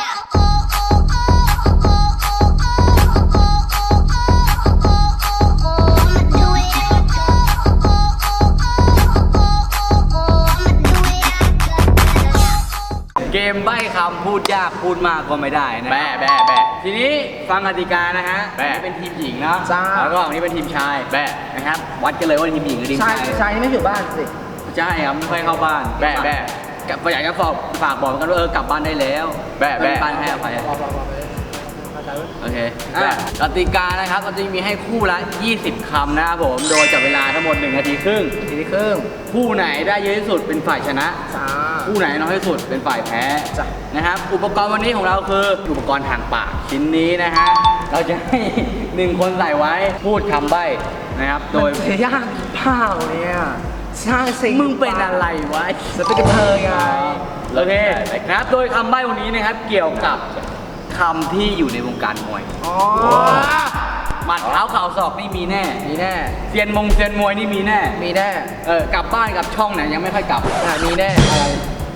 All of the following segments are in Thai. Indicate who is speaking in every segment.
Speaker 1: เกมใบ้คำพูดยากพูดมากก็ไม่ได้นะแบทีนี้ฟังกติกานะฮะเป็นทีมหญิงนะแล้วก็อันนี้เป็นทีมชายนะครับวัดกันเลยว่าทีมหญิงหรือทีมชาย
Speaker 2: ชายนี่ไม่อยู่บ้านสิ
Speaker 1: ใช่ครับไม่ค่อยเข้าบ้านก็อยากจะฝากบอกกันว่ากลับบ้านได้แล้วบ้านให้อภัยโอเคกติกานะครับเราจะมีให้คู่ละ20 คำนะครับผมโดยจับเวลาทั้งหมด1 นาทีครึ่งคู่ไหนได้เยอะที่สุดเป็นฝ่ายชนะคู่ไหนน้อยที่สุดเป็นฝ่ายแพ้นะครับอุปกรณ์วันนี้ของเราคืออุปกรณ์ทางปากชิ้นนี้นะฮะเราจะให้1 คนใส่ไว้พูดคำใบ้นะครับโดย
Speaker 2: ยากเปล่าเนี่ยใช่สิ
Speaker 1: มึงเป็นอะไรวะ
Speaker 2: จะเป็นกระเทยไง
Speaker 1: โอเคนะครับโดยคำใบ้วันนี้นะครับเกี่ยวกับคำที่อยู่ในวงการมวยหมัดเท้าเข่าศอกนี่มีแน่เซียนมวยนี่มีแน่กลับบ้านกับช่องไหนยังไม่ค่อยกลับ
Speaker 2: มีแน่อะไร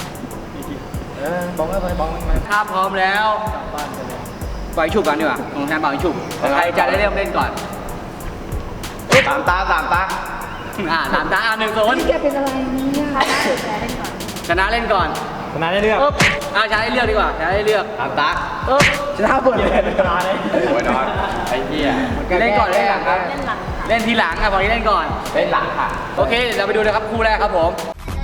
Speaker 2: บอกไม่
Speaker 1: ถ้าพร้อมแล้วปล่อยฉุบกันดีกว่าของแทนปล่อยฉุบใครจะได้เริ่มเล่นก่อน
Speaker 2: สามตา
Speaker 1: 3 ตา1 0
Speaker 2: นี่แกเป็นอะไรเนี่ย
Speaker 1: ชนะเล่นก่อน
Speaker 2: ชนะได้เลือก
Speaker 1: ชนะได้เลือกดีกว่าชนะได้เลือก
Speaker 2: 3 ตาชนะเปิดเลย
Speaker 1: โอ้ยนอนไอ้เหี้ยเล่นก่อนเล่นหลังครับเล่นทีหลังครับบอกนี้เล่นก่อน
Speaker 2: เล่นหลังค่ะ
Speaker 1: โอเคเราไปดูนะครับคู่แรกครับผม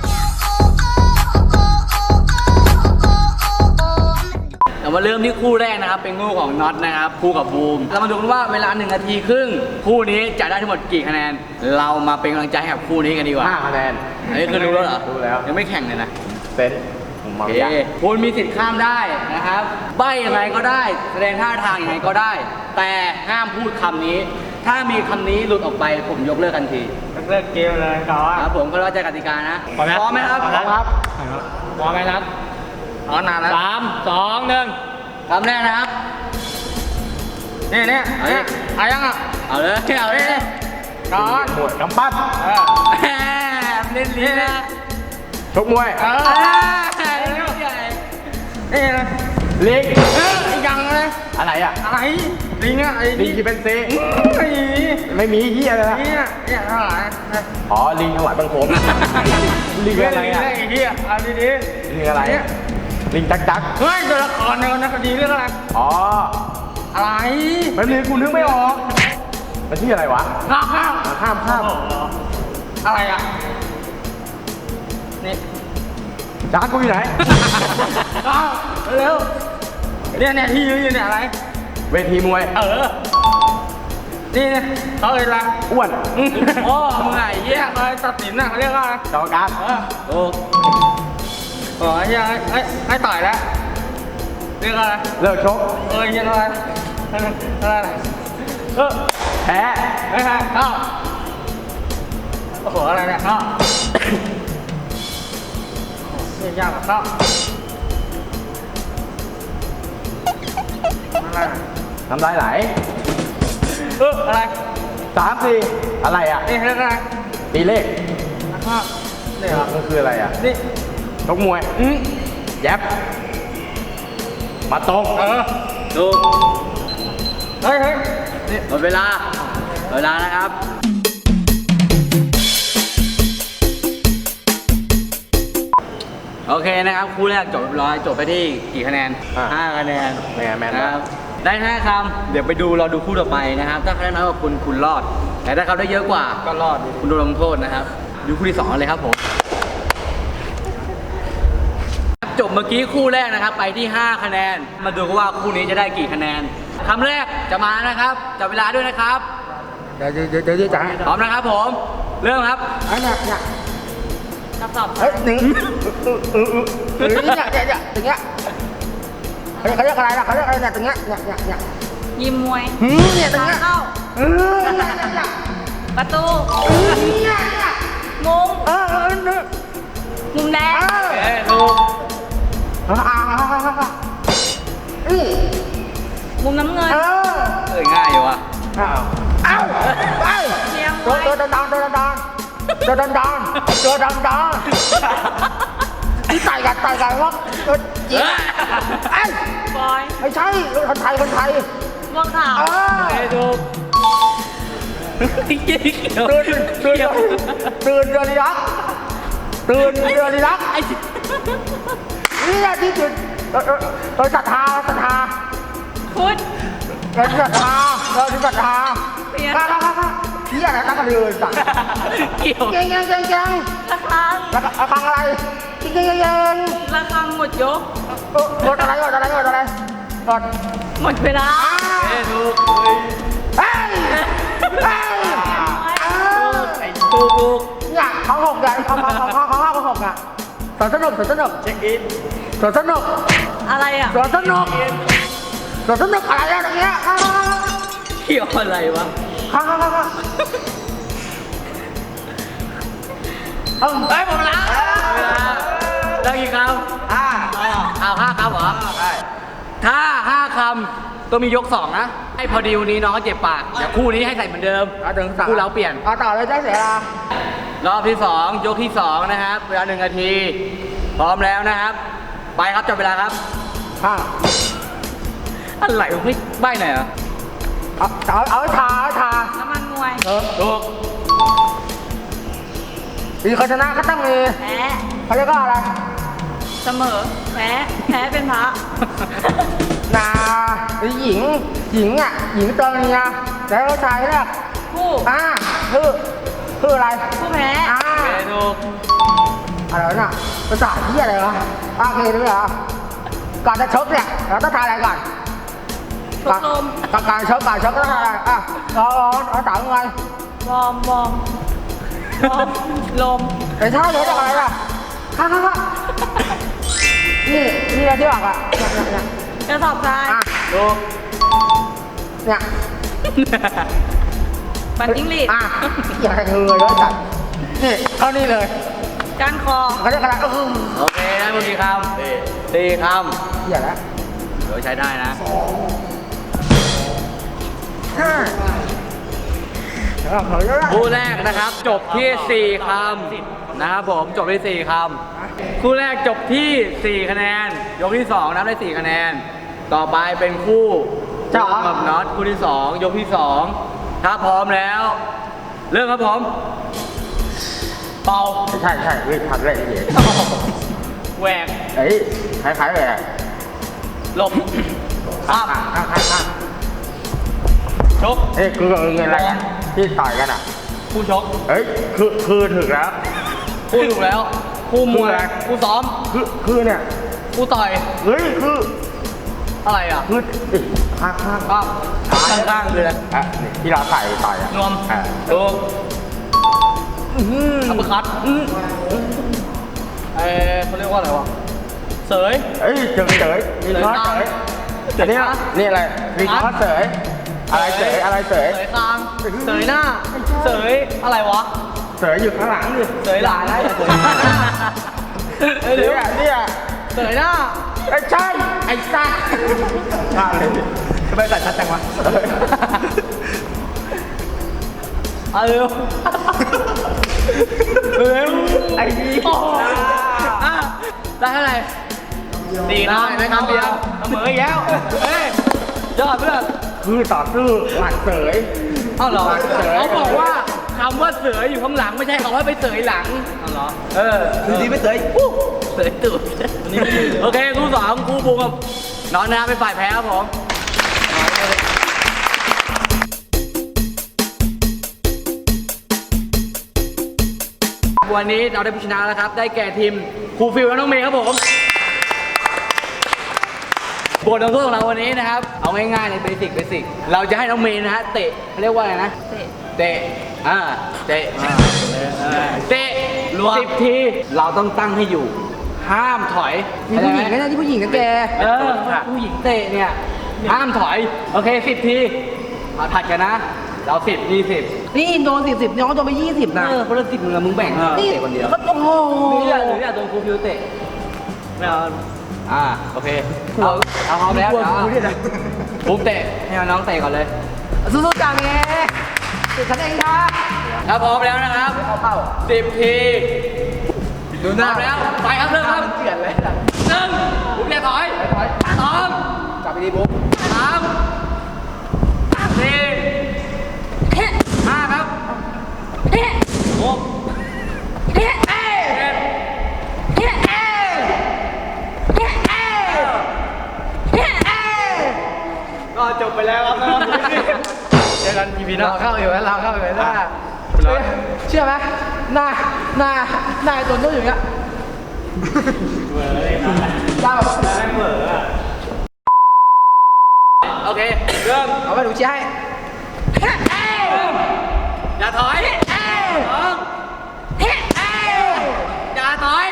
Speaker 1: เรามาเริ่มที่คู่แรกนะครับเป็นคู่ของน็อตนะครับคู่กับบูมเรามาดูกันว่าเวลา1 นาทีครึ่งคู่นี้จะได้ทั้งหมดกี่คะแนนเรามาเป็นกำลังใจให้กับคู่นี้กันดีกว่า
Speaker 2: 5 คะแนน
Speaker 1: อันนี้คือรู้แล้วเหรอ
Speaker 2: รู้แล้ว
Speaker 1: ยังไม่แข่งเลยนะ
Speaker 2: เป็น
Speaker 1: คุณมีสิทธิ์ข้ามได้นะครับใบ้ยังไงก็ได้แสดงท่าทางยังไงก็ได้แต่ห้ามพูดคำนี้ถ้ามีคำนี้หลุดออกไปผมยกเลิกทันที
Speaker 2: เลิกเกมเลย
Speaker 1: ครับผมก็เข้าใจกติกานะพร้อมไหมครับ
Speaker 2: พร้อมไหมครับ
Speaker 1: นานแล้ว
Speaker 2: 3 2 1
Speaker 1: คำแรกนะครับ
Speaker 2: เนี่ย
Speaker 1: เอายังอ่ะเอาเลย
Speaker 2: ก่อนหมดกำปั้น
Speaker 1: เล่นลิ้นนะ
Speaker 2: ชกมวย
Speaker 1: นี่นะ
Speaker 2: ลิง
Speaker 1: ยังเลย
Speaker 2: อะไรอ่ะ
Speaker 1: อะไรลิงอ่ะ
Speaker 2: ลิงที่เป็นซีไม่มีเหี้ยเลยนะ
Speaker 1: เนี่ยเท่าไหร่
Speaker 2: อ๋อลิงถวายบังคมลิงอะไรอ่ะ
Speaker 1: เหี้ยเอาดี
Speaker 2: ลิงอะไรลิงจัก
Speaker 1: เฮ้ยตัวละครในวรรณคดีเรื่องอะไร
Speaker 2: อ๋อ
Speaker 1: อะไร
Speaker 2: ไม่มีกูนึกไม่ออกมันชื่ออะไรวะข้าม
Speaker 1: อะไรอ่ะนี่
Speaker 2: จ้ากูอยู่ไหน
Speaker 1: เร็วเนี่ยที่ยืนเนี่ยอะไร
Speaker 2: เวทีมวย
Speaker 1: นี่เขาเอ่ยอะไร
Speaker 2: อ้วน
Speaker 1: โอ้มึงไงเหี้ยอะไรตัดสินน่ะเขาเรียกว่าอะไร
Speaker 2: กรรมการ
Speaker 1: โอ้เหี้ยให้ต่อยแล้วเรียกอะไร
Speaker 2: เลิกชก
Speaker 1: เหี้ยอะไร
Speaker 2: แพ้
Speaker 1: เข้าโอ้โหอะไรเนี่ยเข้าเนี่ยยากกว่าเข้า
Speaker 2: น้ำลายไหล
Speaker 1: อะไร
Speaker 2: 3 4อะไรอ่ะ
Speaker 1: นี่เรียกอะไร
Speaker 2: ตีเลข
Speaker 1: นะครับนี่เหรอ
Speaker 2: มันคืออะไรอ่ะ
Speaker 1: นี่
Speaker 2: ชกมวยแย็บมาตรง
Speaker 1: ดูเฮ้ยนี่หมดเวลานะครับโอเคนะครับคู่แรกจบเรียบร้อยจบไปที่กี่คะแนน5 คะแนน
Speaker 2: นะครับ
Speaker 1: ได้5 คำเดี๋ยวไปดูเราดูคู่ต่อไปนะครับถ้าคะแนนน้อยกว่าคุณรอดแต่ถ้าเขาได้เยอะกว่า
Speaker 2: ก็รอด
Speaker 1: คุณโดนลงโทษนะครับดูคู่ที่2เลยครับผมจบเมื่อกี้คู่แรกนะครับไปที่5 คะแนนมาดูกันว่าคู่นี้จะได้กี่คะแนนคำแรกจะมานะครับจับเวลาด้วยนะครับ
Speaker 2: เดี๋ยวจ้า
Speaker 1: พร้อมนะครับผมเริ่มครับ
Speaker 2: เนี่ย
Speaker 1: ตอบ
Speaker 2: 1เนี่ยตรงเนี้ยเขาเรียกอะไรล่ะเขาเรียกอะไรเนี่ยตรงเนี้ยเนี่ย
Speaker 3: ยิมมวย
Speaker 2: เนี่ยตรงเนี้ย
Speaker 3: เข้าประตูมุมมุมแดง
Speaker 1: ถูก
Speaker 3: มุมน้ำเงิน
Speaker 1: ง่ายอยู่อ่ะ
Speaker 3: เชียง
Speaker 2: ตัวดังที่ใส่กันวะ
Speaker 1: บอ
Speaker 2: ไม่ใช่คนไทยคนไทย
Speaker 3: บัวขาว
Speaker 1: โอเคถูกเกี่ยว
Speaker 2: ตื่นตื่นตื่นเดือนรักตื่นเดือนรัก
Speaker 1: ไอ้
Speaker 2: นี่แหละที่ตื่นเราศรัทธาศรัทธา
Speaker 3: พุทธ
Speaker 2: เราศรัทธาเราศรัทธา
Speaker 3: เปลี่ยน
Speaker 2: ค่ะที่อะไรตั้งกันเลยสั่ง
Speaker 1: เกี่ยว
Speaker 2: เก่งเก่งเก่งเก่ง
Speaker 3: ระฆัง
Speaker 2: แล้วก็ฟังอะไรเก่งเก่งเก่ง
Speaker 3: ระฆังหมดยก
Speaker 2: กดอะไรกดอะไรกดอะไรกด
Speaker 3: หมดเวลา
Speaker 1: เอ้ถูก
Speaker 2: เฮ้ยเฮ้ย
Speaker 1: ไอ้ถูก
Speaker 2: เนี่ยเขาหกอย่างเขาหกอ่ะสวนสนุก
Speaker 1: เช็คอิน
Speaker 2: สวนสนุก
Speaker 3: อะไรอ่ะ
Speaker 2: สวนสนุกอะไรอะตรงเนี้ย
Speaker 1: เกี่ยวอะไรวะ
Speaker 2: ข้าง
Speaker 1: เฮ้ยหมดเวลาได้กี่คำเอา5 คำเหรอใช่ถ้า5 คำต้องมียก 2 นะให้พอดีวันนี้น้องเขาเจ็บปากเดี๋ยวคู่นี้ให้ใส่เหมือนเดิม
Speaker 2: ถึงสาม
Speaker 1: คู่เราเปลี่ยน
Speaker 2: ต่อเลยได้เสียเวลาร
Speaker 1: อบที่ 2 ยกที่ 2 นะครับเวลา1 นาที พร้อมแล้วนะครับ ไปครับจับเวลาครับ
Speaker 2: ข้าง
Speaker 1: อะไรวะไม่ใบ้หน่อยเหรอ
Speaker 2: เอาทา
Speaker 3: น้ำมันมวย
Speaker 1: ถูก
Speaker 2: มีคนชนะก็ต้องมี
Speaker 3: แพ้
Speaker 2: เขาเรียกว่าอะไร
Speaker 3: เสมอ แพ้เป็นพระ
Speaker 2: นาหญิงอ่ะหญิงตัวเมียแล้วชายเนี่ย
Speaker 3: ผู้
Speaker 2: คืออะไร
Speaker 3: ผู้แพ้
Speaker 1: โอเคถูก
Speaker 2: อะไรน่ะภาษาที่อะไรวะโอเคด้วยเหรอก่อนจะชกเนี่ยเราต้องทายอะไรก่อน
Speaker 3: ชกลม
Speaker 2: การชกต้องทายอะไรเราถามไง
Speaker 3: วอร์มลม
Speaker 2: ไอ้ท่าเยอะจังอะไรล่ะค่ะนี่อะไรที่บอกอ่ะเนี่ย
Speaker 3: กระสอบทราย
Speaker 1: ถูก
Speaker 2: เนี่ย
Speaker 3: ปั่นจิ้งหรีด
Speaker 2: อย่าให้เงยเลยจัดนี่เท่านี้เลย
Speaker 3: ก้านคอ
Speaker 2: เขาเรียกอะไร
Speaker 1: โอเคได้หมดกี่คำ4 คำ
Speaker 2: อย่าละ
Speaker 1: เดี๋ยวใช้ได้นะ
Speaker 2: ห้าเขาเรียกว่า
Speaker 1: คู่แรกนะครับจบที่ 4 คำนะครับผมจบที่ 4 คำคู่แรกจบที่ 4 คะแนน ยกที่ 2 นับได้ 4 คะแนน ต่อไปเป็นคู่กับน็อตคู่ที่ 2 ยกที่ 2 ถ้าพร้อมแล้ว เริ่มครับผมเป่า
Speaker 2: ใช่วิ่งพักเลยเหี้ย
Speaker 1: แหวก
Speaker 2: เฮ้ยคล้ายๆเลย
Speaker 1: หลบข้าม
Speaker 2: ข้าง
Speaker 1: ชก
Speaker 2: เฮ้ยคืออะไรกันที่ต่อยกันอ่ะ
Speaker 1: คู่ชก
Speaker 2: เฮ้ยคือถึงแล้ว
Speaker 1: คู่ถูกแล้วคู่มวย
Speaker 2: คู่อะไร
Speaker 1: คู่ซ้อม
Speaker 2: คือเนี่ย
Speaker 1: คู่ต่อย
Speaker 2: เฮ้ยคือ
Speaker 1: อะไรอ่ะ
Speaker 2: ข้าง
Speaker 1: ข้างข้างคืออะไร
Speaker 2: อ่ะนี่ที่เราใส่ต่อยอ่ะ
Speaker 1: นวม
Speaker 2: อ่ะ
Speaker 1: ถูกอัปเปอร์คัตเขาเรียกว่าอะไรวะเสย
Speaker 2: เฮ้ยเฉยมีข้อเฉยอันนี้นี่อะไรมีข้อเฉยอะไรเฉย
Speaker 1: เสยคางเสยหน้าเสยอะไรวะ
Speaker 2: เฉยอยู่ข้างหลังดิ
Speaker 1: เสยหลัง
Speaker 2: เดี๋ยวเนี่ย
Speaker 1: เสยหน้า
Speaker 2: ไอ้ใช่ไอ้สัตว์พลาดเลยทำไมตัดชัดจังวะ
Speaker 1: เอาเร็ว
Speaker 2: ไอ้นี่
Speaker 1: ได้เท่าไหร่4 คำได้คำเดียวเสมออีกแล้วเฮ้ยยอดเพื่อน
Speaker 2: คือต่อสู้หมัดเสย
Speaker 1: เอ้าเหรอ
Speaker 2: เสย
Speaker 1: เขาบอกว่าคำว่าเสืออยู่ข้างหลังไม่ใช่คำว่าไปเสยหลังเอาเหรอดีไม่เสยเสยตูดโอเคคู่สองคู่บูมกับน้องนะครับเป็นฝ่ายแพ้ครับผมวันนี้เราได้ผู้ชนะแล้วครับได้แก่ทีมครูฟิลและน้องเมย์ครับผมบทลงโทษของเราวันนี้นะครับเอาง่ายๆในเบสิกเราจะให้น้องเมย์นะฮะเตะเขาเรียกว่าอะไรนะ
Speaker 3: เตะ
Speaker 1: เตะเตะรวม10 ทีเราต้องตั้งให้อยู่ ห้ามถอย
Speaker 2: มีผู้หญิงไหมนะที่ผู้หญิงนะแก
Speaker 1: ผู้หญิงเตะเนี่ยห้ามถอยโอเค10 ทีมาผัดกันนะเรา10 20
Speaker 2: นี่โดน10น้องโดนไป20นะ
Speaker 1: คนละ10มึงแบ่ง
Speaker 2: นี่
Speaker 1: เตะคนเดียว
Speaker 2: ก็โอ้โห
Speaker 1: หรืออยากโดนครูฟิวเตะไม่เอาโอเคเอาพร้อมแล้วผมเตะให้น้องเตะก่อนเลย
Speaker 2: สู้ๆจังไงติดฉันเองค่ะ
Speaker 1: ถ้าพร้อมแล้วนะครับ
Speaker 2: เอาเป้า
Speaker 1: 10 ทีดูหน้าแล้วไปครับเริ่มครับ
Speaker 2: เกลียดเลย
Speaker 1: 1ผมอย่าถอย2
Speaker 2: จับไปดีบุ๊ก
Speaker 1: 3 4 5 ครับ6 ก็จบไปแล้วครับน้องเจอกันEPหน้า
Speaker 2: เราเข้าอยู่แล้วเราเข้าอยู่แล้วเชื่อไหมหน้าไอ้ตัวนู้นอยู่เงี้ยได้แบบ
Speaker 1: โอเคเริ่ม
Speaker 2: เอาไปดูเชียร์ให้
Speaker 1: อย่าถอย2อย่าถอย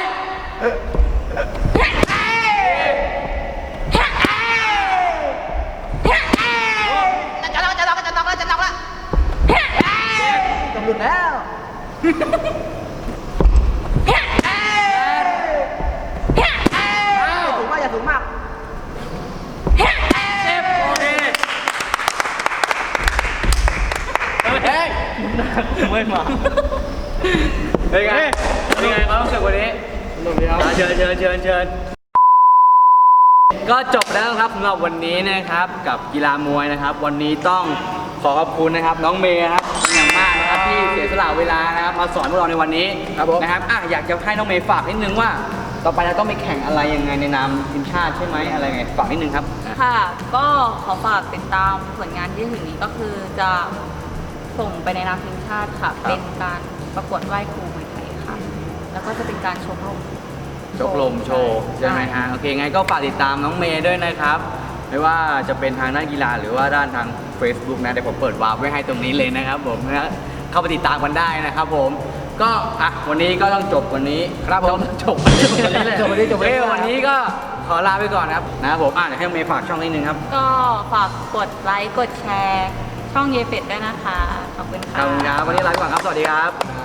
Speaker 2: กำหนดแล้วสูงมากอย่าสูงมาก
Speaker 1: โอเคเฮ้ยไม่มาเป็นไงความรู้สึกวันนี้เชิญก็จบแล้วครับสำหรับวันนี้นะครับกับกีฬามวยนะครับ วันนี้ต้องขอขอบคุณนะครับน้องเมย์ครับเป็นอย่างมากนะครับที่เสียสละเวลานะครับมาสอนพวกเราในวันนี้
Speaker 2: ครับผม
Speaker 1: นะครับอยากจะให้น้องเมย์ฝากนิดนึงว่า ต่อไปเราต้องไปแข่งอะไรยังไงในนามทีมชาติใช่ไหมอะไรไงฝากนิดนึงครับ
Speaker 3: ค่ะ ก็ขอฝากติดตามผลงานที่ถึงนี้ก็คือจะส่งไปในนามทีมชาติค่ะ
Speaker 1: ครับ
Speaker 3: เป็นการประกวดไหว้ครูมวยไทยค่ะ แล้วก็จะเป็นการชกลม
Speaker 1: ชกลมโชว์ใช่ไหมฮะโอเคไงก็ฝากติดตามน้องเมย์ด้วยนะครับไม่ว่าจะเป็นทางด้านกีฬาหรือว่าด้านทาง Facebook นะเดี๋ยวผมเปิดวาร์ปไว้ให้ตรงนี้เลยนะครับผมนะเข้าไปติดตามกันได้นะครับผมก็วันนี้ก็ต้องจบวันนี้
Speaker 2: ครับผม
Speaker 1: ต้องจบวันนี้เลย
Speaker 2: จบวันนี้จบวันนี้
Speaker 1: วันนี้ก็ขอลาไปก่อนนะครับนะครับผมเดี๋ยวให้น้องเมย์ฝากช่องนิดนึงครับ
Speaker 3: ก็ฝากกดไลค์กดแชร์ ช่องเยเป็ดด้วยนะคะ ขอบคุณ
Speaker 1: ข
Speaker 3: ค่ะ
Speaker 1: อบคุณครับวันนี้ลาไปก่อนครับสวัสดีครับ
Speaker 2: ค